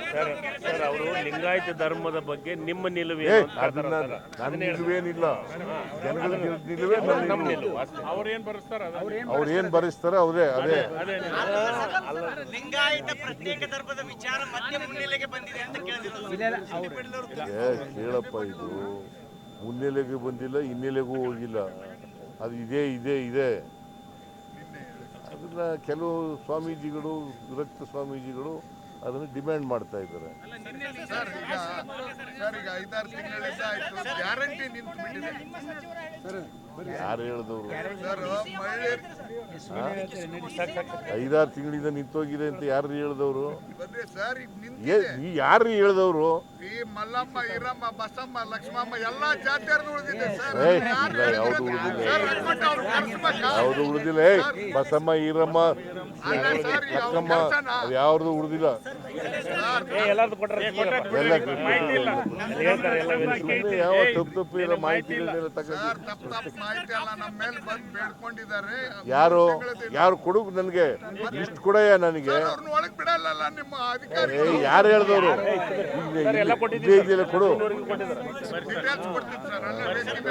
Sir ಅವರು ಲಿಂಗಾಯತ ಧರ್ಮದ ಬಗ್ಗೆ ನಿಮ್ಮ ನಿಲುವೇನು ಅಂತ ಅದನ್ನ ನನ್ನ ನಿಲುವೇನಿಲ್ಲ, ಜನಗಳ ನಿಲುವೇ ನಮ್ಮ ನಿಲುವು. ಅವ್ರು ಏನ್ ಬರೆಸ್ತಾರ ಅವರೇ ಅದೇ. ಲಿಂಗಾಯತ ಪ್ರತ್ಯೇಕ ಧರ್ಮದ ವಿಚಾರ ಮತ್ತೆ ಮುನ್ನೆಲೆಗೆ ಬಂದಿದೆ ಅಂತ ಕೇಳಪ್ಪ, ಇದು ಮುನ್ನೆಲೆಗೆ ಬಂದಿಲ್ಲ, ಹಿನ್ನೆಲೆಗೂ ಹೋಗಿಲ್ಲ, ಅದು ಇದೆ. ಅದನ್ನ ಕೆಲವು ಸ್ವಾಮೀಜಿಗಳು, ವಿರಕ್ತ ಸ್ವಾಮೀಜಿಗಳು ಅದನ್ನು ಡಿಮ್ಯಾಂಡ್ ಮಾಡ್ತಾ ಇದ್ದಾರೆ. ಯಾರು ಹೇಳಿದವರು? 5-6 ತಿಂಗಳಿಂದ ನಿಂತೋಗಿದೆ ಅಂತ ಯಾರು ಹೇಳಿದವರು? ಯಾರು ಹೇಳಿದವರು? ಮಲ್ಲಮ್ಮ, ಈರಮ್ಮ, ಬಸಮ್ಮ, ಲಕ್ಷ್ಮಮ್ಮ ಎಲ್ಲಾ ಜಾತಿಯರು ಉಳಿದಿದೆ. ಯಾವುದು ಉಳಿದಿಲ್ಲ. ಬಸಮ್ಮ, ಈರಮ್ಮ, ಲಕ್ಷ್ಮಮ್ಮ ಅದು ಯಾವ್ದು ಉಳಿದಿಲ್ಲ. ಯಾವ ತಪ್ಪು ಇರೋ ಮಾಹಿತಿಗಳನ್ನೆಲ್ಲ ಮಾಹಿತಿ ಎಲ್ಲ ನಮ್ಮ ಮೇಲೆ ಬಂದು ಬೇಡ್ಕೊಂಡಿದ್ದಾರೆ. ಯಾರು ಕೊಡು, ನನಗೆ ಲಿಸ್ಟ್ ಕೊಡಯ್ಯ ನನಗೆ. ಒಳಗೆ ಬಿಡಲ್ಲ ನಿಮ್ಮ ಅಧಿಕಾರಿ. ಯಾರು ಹೇಳಿದವರು? ಕೊಡು. ಡೀಟೇಲ್ಸ್ ಕೊಡ್ತೀನಿ ಸರ್.